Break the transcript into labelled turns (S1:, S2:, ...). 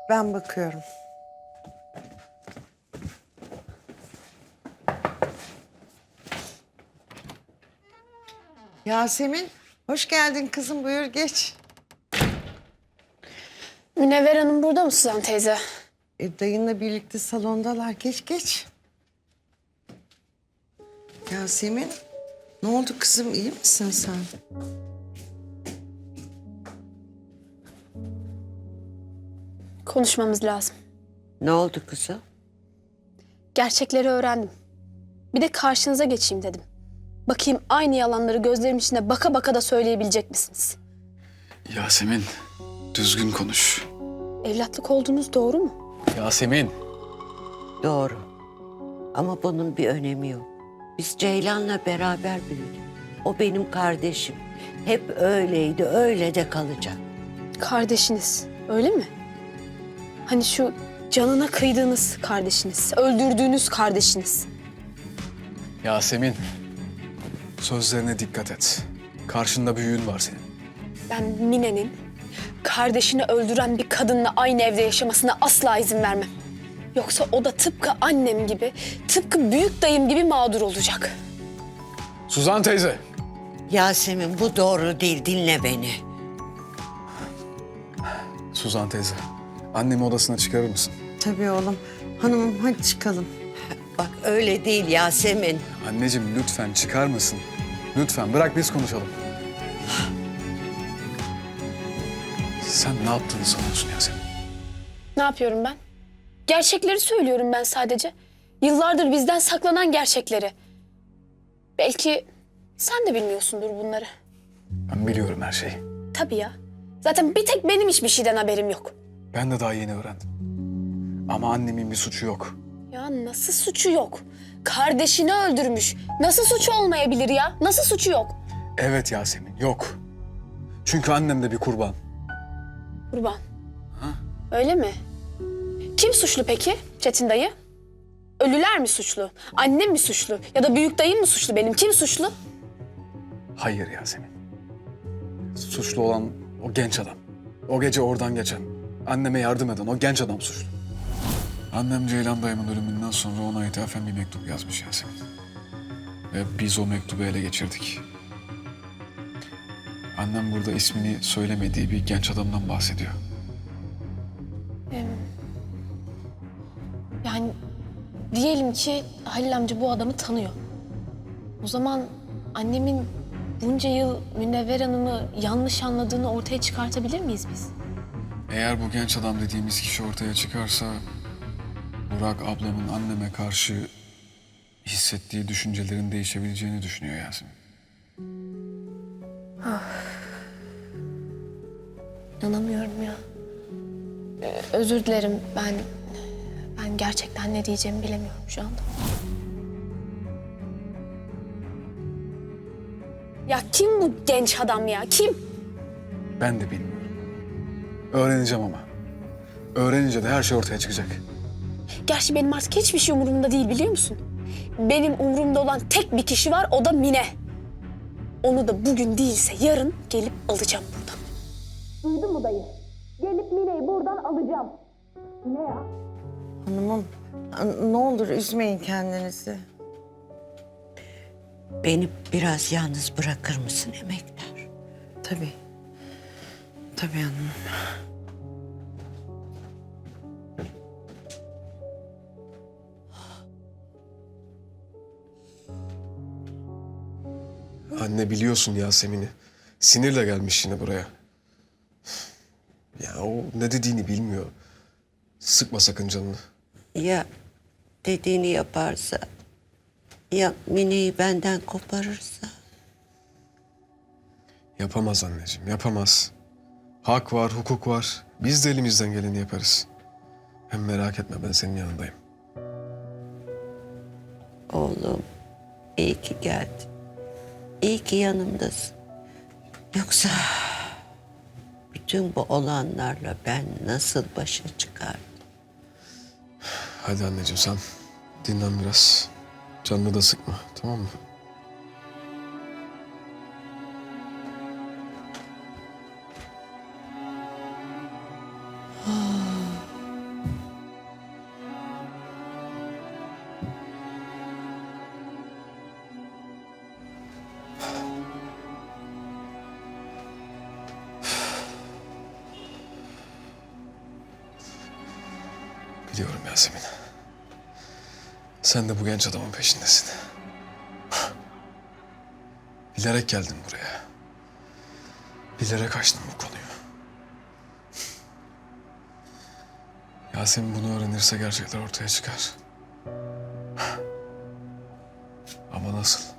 S1: Ben bakıyorum. Yasemin, hoş geldin kızım. Buyur geç.
S2: Münevver Hanım burada mı Suzan teyze?
S1: Dayınla birlikte salondalar. Geç geç. Yasemin, ne oldu kızım? İyi misin sen?
S2: Konuşmamız lazım.
S3: Ne oldu kızım?
S2: Gerçekleri öğrendim. Bir de karşınıza geçeyim dedim. Bakayım aynı yalanları gözlerim içine baka baka da söyleyebilecek misiniz?
S4: Yasemin, düzgün konuş.
S2: Evlatlık olduğunuz doğru mu?
S4: Yasemin.
S3: Doğru. Ama bunun bir önemi yok. Biz Ceylan'la beraber büyüdük. O benim kardeşim. Hep öyleydi, öyle de kalacak.
S2: Kardeşiniz, öyle mi? Hani şu canına kıydığınız kardeşiniz, öldürdüğünüz kardeşiniz.
S4: Yasemin, sözlerine dikkat et. Karşında büyüğün var senin.
S2: Ben Mine'nin kardeşini öldüren bir kadınla aynı evde yaşamasına asla izin vermem. Yoksa o da tıpkı annem gibi, tıpkı büyük dayım gibi mağdur olacak.
S4: Suzan teyze.
S3: Yasemin bu doğru değil, dinle beni.
S4: Suzan teyze, annemi odasına çıkarır mısın?
S1: Tabii oğlum. Hanımım hadi çıkalım.
S3: Bak öyle değil Yasemin.
S4: Anneciğim lütfen çıkar mısın? Lütfen bırak biz konuşalım. Sen ne yaptığını sanıyorsun Yasemin?
S2: Ne yapıyorum ben? Gerçekleri söylüyorum ben sadece. Yıllardır bizden saklanan gerçekleri. Belki sen de bilmiyorsundur bunları.
S4: Ben biliyorum her şeyi.
S2: Tabii ya. Zaten bir tek benim hiçbir şeyden haberim yok.
S4: Ben de daha yeni öğrendim. Ama annemin bir suçu yok.
S2: Ya nasıl suçu yok? Kardeşini öldürmüş. Nasıl suçu olmayabilir ya? Nasıl suçu yok?
S4: Evet Yasemin, yok. Çünkü annem de bir kurban.
S2: Kurban. Öyle mi? Kim suçlu peki Çetin dayı? Ölüler mi suçlu? Annem mi suçlu? Ya da büyük dayım mı suçlu benim? Kim suçlu?
S4: Hayır Yasemin. Suçlu olan o genç adam. O gece oradan geçen, anneme yardım eden o genç adam suçlu. Annem Ceylan dayımın ölümünden sonra ona ithafen bir mektup yazmış Yasemin. Ve biz o mektubu ele geçirdik. Annem burada ismini söylemediği bir genç adamdan bahsediyor.
S2: Yani diyelim ki Halil amca bu adamı tanıyor. O zaman annemin bunca yıl Münevver Hanım'ı yanlış anladığını ortaya çıkartabilir miyiz biz?
S4: Eğer bu genç adam dediğimiz kişi ortaya çıkarsa... Burak ablamın anneme karşı hissettiği düşüncelerin değişebileceğini düşünüyor Yasemin.
S2: İnanamıyorum ya. Özür dilerim ben gerçekten ne diyeceğimi bilemiyorum şu anda. Ya kim bu genç adam ya? Kim?
S4: Ben de bilmiyorum. Öğreneceğim ama. Öğrenince de her şey ortaya çıkacak.
S2: Gerçi benim artık hiçbir şey umurumda değil biliyor musun? Benim umurumda olan tek bir kişi var, o da Mine. Onu da bugün değilse yarın gelip alacağım buradan. Duydun mu dayı? Gelip Mine'yi buradan alacağım. Ne ya?
S1: Hanımım, ne olur üzmeyin kendinizi.
S3: Beni biraz yalnız bırakır mısın emektar?
S1: Tabii. Tabii hanımım.
S5: Anne biliyorsun Yasemin'i. Sinirle gelmiş yine buraya. Ya o ne dediğini bilmiyor. Sıkma sakın canını.
S3: Ya dediğini yaparsa? Ya Mine'yi benden koparırsa?
S5: Yapamaz anneciğim, yapamaz. Hak var, hukuk var. Biz de elimizden geleni yaparız. Hem merak etme, ben senin yanındayım.
S3: Oğlum, iyi ki geldin. İyi ki yanımdasın. Yoksa bütün bu olanlarla ben nasıl başa çıkardım?
S5: Hadi anneciğim sen dinlen biraz. Canını da sıkma, tamam mı? Biliyorum Yasemin. Sen de bu genç adamın peşindesin. Bilerek geldin buraya. Bilerek açtın bu konuyu. Yasemin bunu öğrenirse gerçekler ortaya çıkar. Ama nasıl?